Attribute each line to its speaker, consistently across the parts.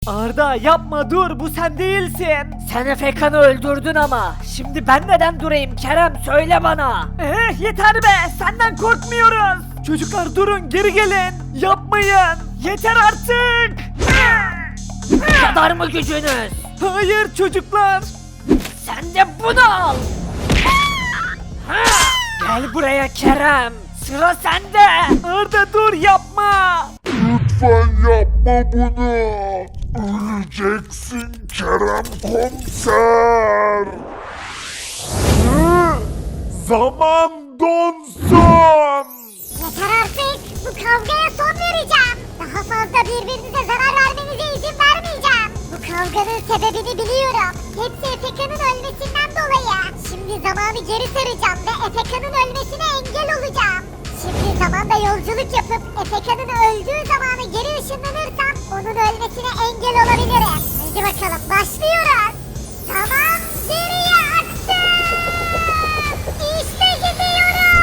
Speaker 1: Arda yapma, dur, bu sen değilsin. Sen Efekan'ı öldürdün ama. Şimdi ben neden durayım Kerem, söyle bana. Yeter be, senden korkmuyoruz. Çocuklar durun, geri gelin. Yapmayın. Yeter artık.
Speaker 2: Kadar mı gücünüz?
Speaker 1: Hayır çocuklar.
Speaker 2: Sen de bunu al.
Speaker 1: Gel buraya Kerem. Sıra sende. Arda dur, yapma.
Speaker 3: Lütfen yapma bunu. Öleceksin Kerem Komiser. Zaman donsun.
Speaker 4: Yeter artık. Bu kavgaya son vereceğim. Daha fazla birbirinize zarar vermenize izin vermeyeceğim. Bu kavganın sebebini biliyorum. Hepsi Efekan'ın ölmesinden dolayı. Şimdi zamanı geri saracağım ve Efekan'ın ölmesine engel olacağım. Şimdi zamanda yolculuk yapıp Efekan'ın öldüğü zamana geri ışınlanırsam onun ölmesine engel olabilirim. Hadi bakalım, başlıyoruz. Zaman geriye aktı. İşte gidiyoruz.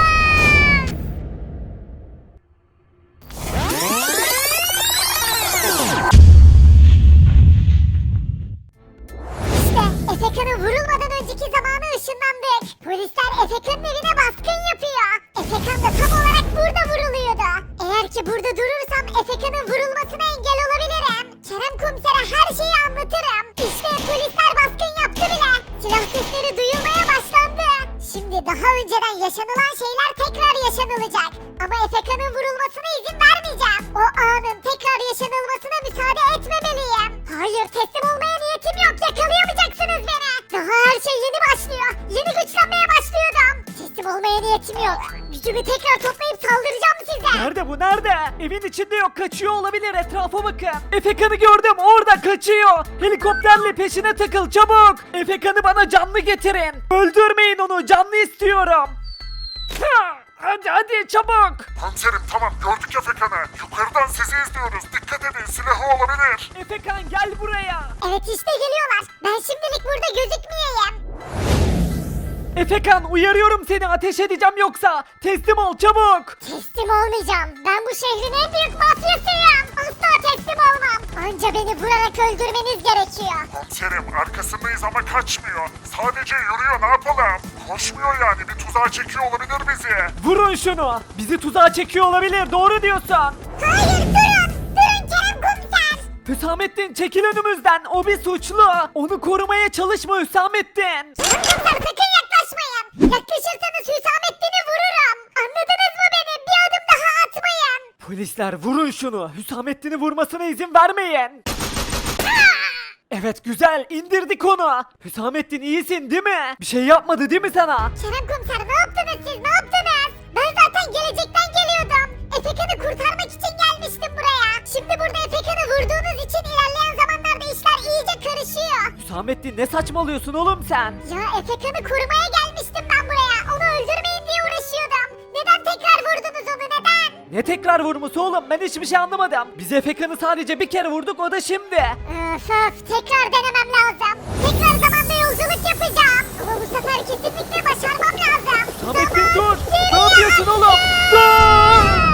Speaker 4: İşte Efekan'ın vurulmadan önceki zamana ışınlandık. Polisler Efekan'ın evine baskın yapıyor. Efekan da tam olarak burada vuruluyordu. Eğer ki burada durursam Efekan'ın vurulmasına engel olabilirim. Kerem komisere her şeyi anlatırım. İşte polisler baskın yaptı bile. Silah sesleri duyulmaya başlandı. Şimdi daha önceden yaşanılan şeyler tekrar yaşanılacak. Ama Efekan'ın vurulmasına izin vermeyeceğim. O anın tekrar yaşanılmasına müsaade etmemeliyim. Hayır, teslim olmaya niyetim yok. Yakalayamayacaksınız beni. Daha her şey yeni başlıyor. Yeni güçlenmeye başlıyordum. Teslim olmaya niyetim yok. Gücümü tekrar toplayıp saldıracağım size.
Speaker 1: Nerede bu, nerede? Evin içinde yok, kaçıyor olabilir, etrafa bakın. Efekan'ı gördüm, orada kaçıyor. Helikopterle peşine takıl çabuk. Efekan'ı bana canlı getirin. Öldürmeyin onu, canlı istiyorum. Hadi hadi çabuk.
Speaker 3: Komiserim tamam, gördük Efekan'ı. Yukarıdan sizi izliyoruz. Dikkat edin, silahı olabilir.
Speaker 1: Efekan gel buraya.
Speaker 4: Evet, işte geliyorlar. Ben şimdilik burada gözükmeyeyim.
Speaker 1: Efekan uyarıyorum seni, ateş edeceğim yoksa. Teslim ol çabuk.
Speaker 4: Teslim olmayacağım. Ben bu şehrin en büyük mafyasıyım. Asla teslim olmam. Anca beni vurarak öldürmeniz gerekiyor.
Speaker 3: Komiserim arkasındayız ama kaçmıyor. Sadece yürüyor, ne yapalım? Koşmuyor yani, bir tuzağa çekiyor olabilir bizi.
Speaker 1: Vurun şunu. Bizi tuzağa çekiyor olabilir, doğru diyorsun.
Speaker 4: Hayır, durun. Durun Kerem komiser.
Speaker 1: Hüsamettin çekil önümüzden, o bir suçlu. Onu korumaya çalışma Hüsamettin.
Speaker 4: Kerem komiser, sakın yaklaşmayın. Yaklaşırsanız Hüsamettin'i vururum. Anladınız mı beni? Bir adım daha atmayın.
Speaker 1: Polisler vurun şunu. Hüsamettin'i vurmasına izin vermeyin. Evet güzel, indirdik onu. Hüsamettin iyisin değil mi? Bir şey yapmadı değil mi sana?
Speaker 4: Kerem komiser, ne yaptınız siz? Ne yaptınız? Ben zaten gelecekten geliyordum. Efekan'ı kurtarmak için gelmiştim buraya. Şimdi burada Efekan'ı vurduğunuz için ilerleyen zamanlarda işler iyice karışıyor.
Speaker 1: Hüsamettin ne saçmalıyorsun oğlum sen?
Speaker 4: Ya Efekan'ı korumaya gelmiştim ben buraya. Onu öldürmeyin diye uğraşıyordum. Neden tekrar vurdunuz onu, neden?
Speaker 1: Ne tekrar vurması oğlum, ben hiçbir şey anlamadım. Biz Efekan'ı sadece bir kere vurduk, o da şimdi.
Speaker 4: Öf, tekrar denemem lazım. Tekrar zamanda yolculuk yapacağım. Ama bu sefer kesinlikle başarmam lazım.
Speaker 1: Hüsamettin
Speaker 4: Zaman
Speaker 1: dur. Ne
Speaker 4: geriye
Speaker 1: yapıyorsun oğlum?
Speaker 4: aksın.
Speaker 1: Dur.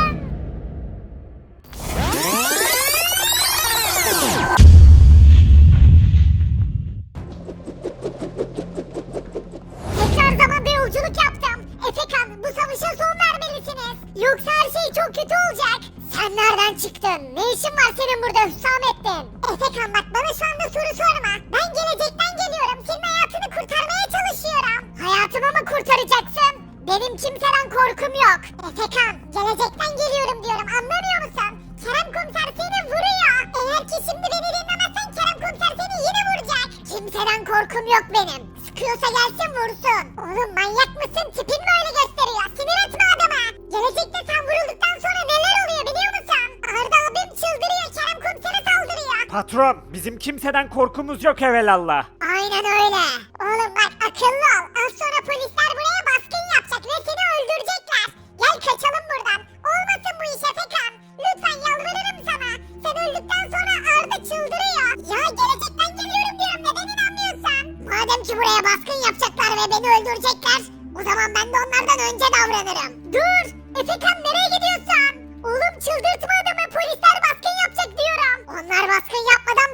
Speaker 4: Tekrar zamanda yolculuk yaptım. Efekan, bu savaşa son vermelisiniz. Yoksa her şey çok kötü olacak. Sen nereden çıktın? Ne işin var senin burada Hüsamettin? Efekan bak, bana şu anda soru sorma. Ben gelecekten geliyorum. Senin hayatını kurtarmaya çalışıyorum. Hayatımı mı kurtaracaksın? Benim kimseden korkum yok. Efekan, gelecekten geliyorum diyorum, anlamıyor musun? Kerem komiser seni vuruyor. Eğer ki şimdi beni dinlemezsen Kerem komiser seni yine vuracak. Kimseden korkum yok benim. Sıkıyorsa gelsin vursun. Oğlum manyak mısın? Tipin mi öyle gösteriyor? Sinir etme adama. Gelecekte sen vurulduktan sonra neler oluyor biliyor musun? Arda abim çıldırıyor, Kerem komisere saldırıyor.
Speaker 1: Patron, bizim kimseden korkumuz yok evelallah.
Speaker 4: Aynen öyle. Oğlum bak, akıllı ol. Az sonra polisler buraya baskın yapacak ve seni öldürecekler. Gel kaçalım buradan. Olmasın bu iş Efekan. Lütfen yalvarırım sana. Sen öldükten sonra Arda çıldırıyor. Ya gelecekten geliyorum diyorum, neden inanmıyorsun? Madem ki buraya baskın yapacaklar ve beni öldürecekler, o zaman ben de onlardan önce davranırım. Dur! Efekan, nereye gidiyorsun? Oğlum çıldırtma adamı, polisler baskın yapacak diyorum. Onlar baskın yapmadan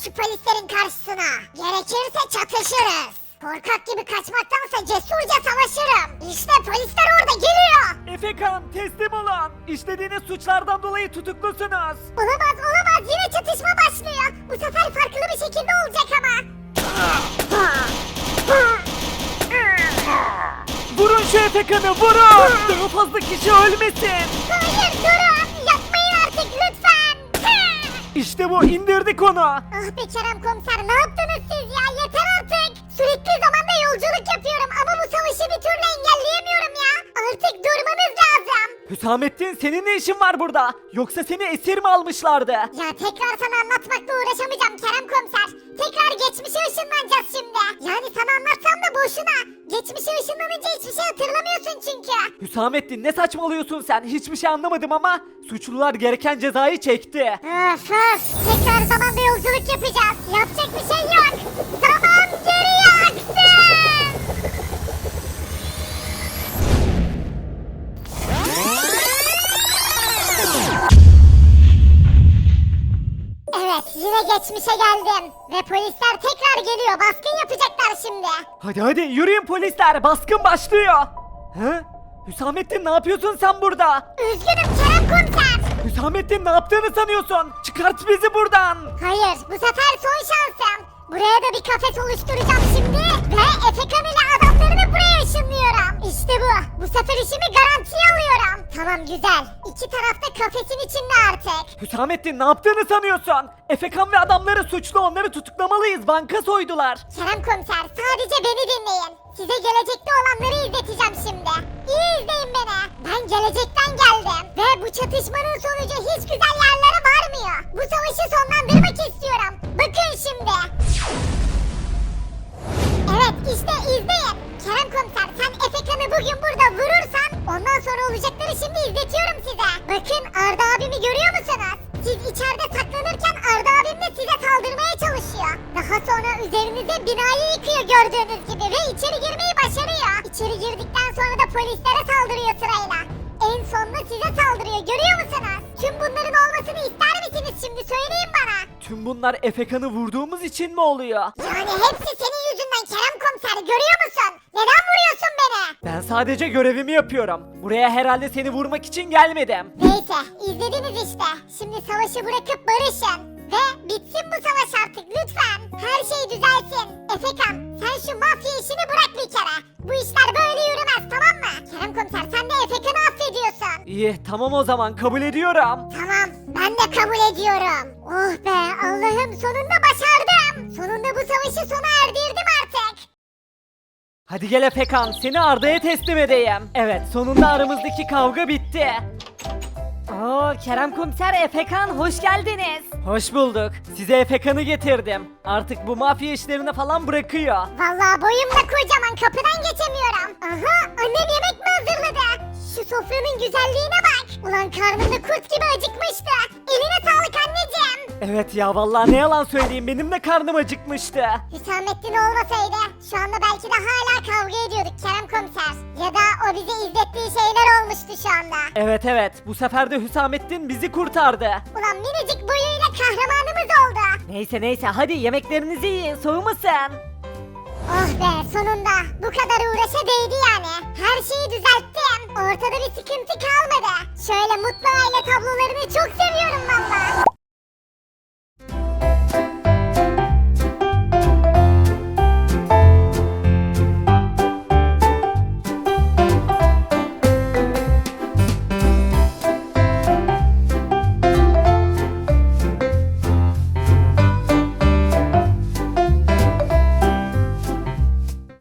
Speaker 4: şu polislerin karşısına. Gerekirse çatışırız. Korkak gibi kaçmaktansa cesurca savaşırım. İşte polisler orada geliyor.
Speaker 1: Efekan teslim olun. İşlediğiniz suçlardan dolayı tutuklusunuz.
Speaker 4: Olamaz olamaz yine çatışma başlıyor. Bu sefer farklı bir şekilde olacak ama.
Speaker 1: Vurun şu Efekan'ı vurun. Daha fazla kişi ölmesin.
Speaker 4: Hayır durun yapmayın artık lütfen.
Speaker 1: İşte bu indirdik onu.
Speaker 4: Ah be Kerem komiser ne yaptınız siz ya yeter artık. Sürekli zamanda yolculuk yapıyorum ama bu savaşı bir türlü engelleyemiyorum ya. Artık durmanız lazım.
Speaker 1: Hüsamettin senin ne işin var burada? Yoksa seni esir mi almışlardı?
Speaker 4: Ya tekrar sana anlatmakla uğraşamayacağım Kerem komiser. Tekrar geçmişe ışınlanacağız şimdi. Yani sana anlatsam da boşuna. Geçmişe ışınlanınca hiçbir şey hatırlamıyorsun çünkü.
Speaker 1: Hüsamettin ne saçmalıyorsun sen? Hiçbir şey anlamadım ama suçlular gereken cezayı çekti.
Speaker 4: Öf öf. Tekrar zamanda yolculuk yapacağız. Yapacak bir şey yok. Zaman geriye aksın. Evet yine geçmişe geldim. Ve polisler tekrar geliyor. Baskın yapacaklar şimdi.
Speaker 1: Hadi yürüyün polisler baskın başlıyor. He? Hüsamettin ne yapıyorsun sen burada?
Speaker 4: Üzgünüm Kerem komiser.
Speaker 1: Hüsamettin ne yaptığını sanıyorsun? Çıkart bizi buradan.
Speaker 4: Hayır bu sefer son şansım. Buraya da bir kafes oluşturacağım şimdi. Ve Efekan ile adamlarını buraya ışınlıyorum. İşte bu. Bu sefer işimi garantiye alıyorum. Tamam güzel. İki tarafta kafesin içinde artık.
Speaker 1: Hüsamettin ne yaptığını sanıyorsun? Efekan ve adamları suçlu onları tutuklamalıyız banka soydular.
Speaker 4: Kerem komiser sadece beni dinleyin. Size gelecekte olanları izleteceğim şimdi. İyi izleyin beni. Ben gelecekten geldim. Ve bu çatışmanın sonucu hiç güzel yerlere varmıyor. Bu savaşı sonlandırmak istiyorum. Bakın şimdi. Evet işte izleyin. Kerem komiser sen Efekan'ı bugün burada vurursan ondan sonra olacakları şimdi izletiyorum size. Bakın Arda abimi görüyor musunuz? Siz içeride saklanırken Arda abim de size saldırmaya çalışıyor. Daha sonra üzerinize binayı yıkıyor gördüğünüz gibi ve içeri girmeyi başarıyor. İçeri girdikten sonra da polislere saldırıyor sırayla. En sonunda size saldırıyor görüyor musunuz? Tüm bunların olmasını ister misiniz şimdi söyleyin bana.
Speaker 1: Tüm bunlar Efekan'ı vurduğumuz için mi oluyor?
Speaker 4: Yani hepsi senin yüzünden Kerem komiser görüyor musun? Neden vuruyorsun beni?
Speaker 1: Ben sadece görevimi yapıyorum. Buraya herhalde seni vurmak için gelmedim.
Speaker 4: Neyse izlediniz işte. Şimdi savaşı bırakıp barışın. Ve bitsin bu savaş artık lütfen. Her şey düzelsin. Efekan sen şu mafya işini bırak bir kere. Bu işler böyle yürümez tamam mı? Kerem komiser sen de Efekan'ı affediyorsun.
Speaker 1: İyi tamam o zaman kabul ediyorum.
Speaker 4: Tamam ben de kabul ediyorum. Oh be Allah'ım sonunda başardım. Sonunda bu savaşı sona erdirdim artık.
Speaker 1: Hadi gel Efekan seni Arda'ya teslim edeyim. Evet sonunda aramızdaki kavga bitti. Oo Kerem Komiser Efekan hoş geldiniz. Hoş bulduk. Size Efekan'ı getirdim. Artık bu mafya işlerini falan bırakıyor.
Speaker 4: Vallahi boyum da kocaman kapıdan geçemiyorum. Aha annem yemek mi hazırladı? Şu sofranın güzelliğine bak. Ulan karnımda kurt gibi acıkmıştı. Eline sağlık anneciğim.
Speaker 1: Evet ya vallahi ne yalan söyleyeyim benim de karnım acıkmıştı.
Speaker 4: Hüsamettin olmasaydı şu anda belki de hala kavga ediyorduk Kerem komiser. Ya da o bize izlettiği şeyler olmuştu şu anda.
Speaker 1: Evet bu sefer de Hüsamettin bizi kurtardı.
Speaker 4: Ulan minicik boyuyla kahramanımız oldu.
Speaker 1: Neyse hadi yemeklerinizi yiyin soğumasın.
Speaker 4: Oh be sonunda bu kadar uğraşa değdi yani. Her şeyi düzelttim. Ortada bir sıkıntı kalmadı. Şöyle mutlu aile tablolarını çok seviyorum valla.